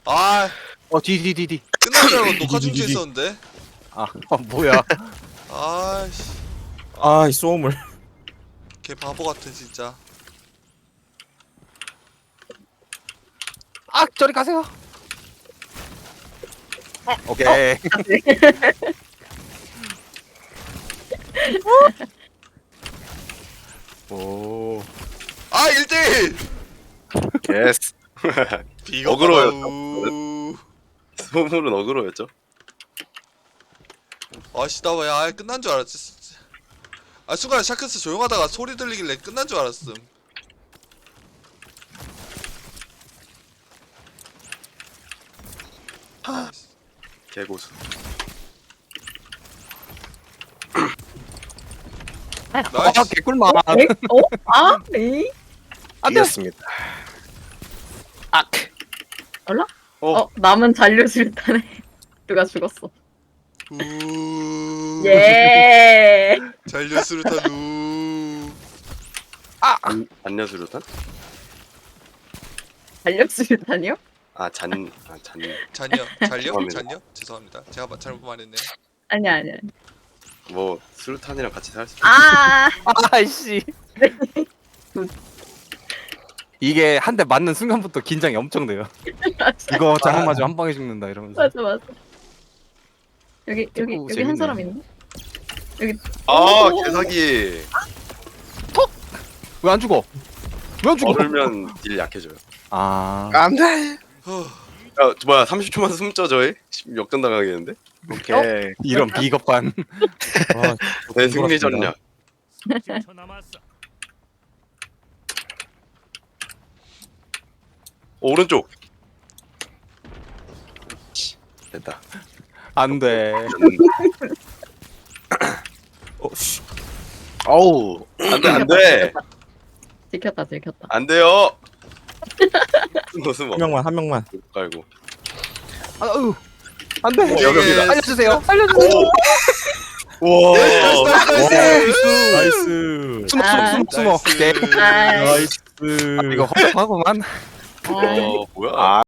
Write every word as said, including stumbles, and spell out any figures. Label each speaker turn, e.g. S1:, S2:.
S1: 아
S2: 어, 뒤, 뒤, 뒤, 뒤.
S1: 끝난 줄 알고 녹화 중지에 있었는데.
S2: 아, 어, 뭐야.
S1: 아이씨
S3: 아, 이 소음을.
S1: 걔 바보 같아 진짜.
S2: 아, 저리 가세요. 오케이. 오.
S1: 아 일 대1!
S4: 예스.
S1: 비겁하다우.
S4: 소물은 어그로였죠.
S1: 아씨 나 왜 아예 끝난 줄 알았지 진짜. 아 순간 샤크스 조용하다가 소리 들리길래 끝난 줄 알았음.
S4: 개고수.
S2: 아,
S1: 나이스.
S2: 개꿀맛.
S5: 에? 어? 아? 에이?
S2: 안 돼.
S4: 이겼습니다.
S2: 아,
S4: 어,
S5: 어, 남은 잔류 술탄에 누가 죽었어.
S1: 우.
S5: 예.
S1: 잔류스루탄 우.
S4: 안, 안녀수류탄?
S5: 잔류 술탄이요?
S4: 아, 잔, 아, 잔.
S1: 잔요 잔요
S4: 죄송합니다.
S1: 잔요 죄송합니다. 제가 마- 잘못 말했네요.
S5: 아니야, 아니야.
S4: 뭐 수류탄이랑 같이 살 수.
S5: 아,
S2: 아이씨. 이게 한 대 맞는 순간부터 긴장이 엄청 돼요.
S5: 맞아,
S2: 이거 잘못 맞으면 한 방에 죽는다 이러면서.
S5: 맞아, 맞아. 여기, 여기,
S2: 오,
S5: 여기
S2: 재밌네.
S5: 한 사람 있네.
S4: 아,
S5: 오.
S4: 개사기.
S2: 왜 안 죽어? 왜 안 죽어?
S4: 얼면 딜 약해져요.
S2: 아.
S4: 안돼.
S1: 후.
S4: 야, 뭐야, 삼십 초만 숨죠 저희? 역전 당하겠는데?
S2: 오케이. 이런 비겁한.
S3: 아,
S4: 내 승리 전략.
S6: 삼십 초 남았어.
S4: 오른쪽. 치, 됐다.
S2: 안 돼.
S3: 어, 씨.
S4: 어우, 안돼 안돼
S5: 지켰다, 지켰다.
S4: 안 돼요. 숨어 숨어.
S3: 한 명만, 한 명만.
S4: 깔고.
S2: 아유. 안 돼.
S4: 어, 여기입니다.
S2: 알려주세요. 알려주세요.
S4: 오. 와.
S1: 나이스 나이스 나이스.
S3: 나이스.
S2: 숨어,
S5: 아.
S2: 숨어, 숨어, 숨어. 오케이.
S5: 아,
S3: 나이스.
S2: 이거 허접하구만.
S5: 아.
S4: 어, 뭐야?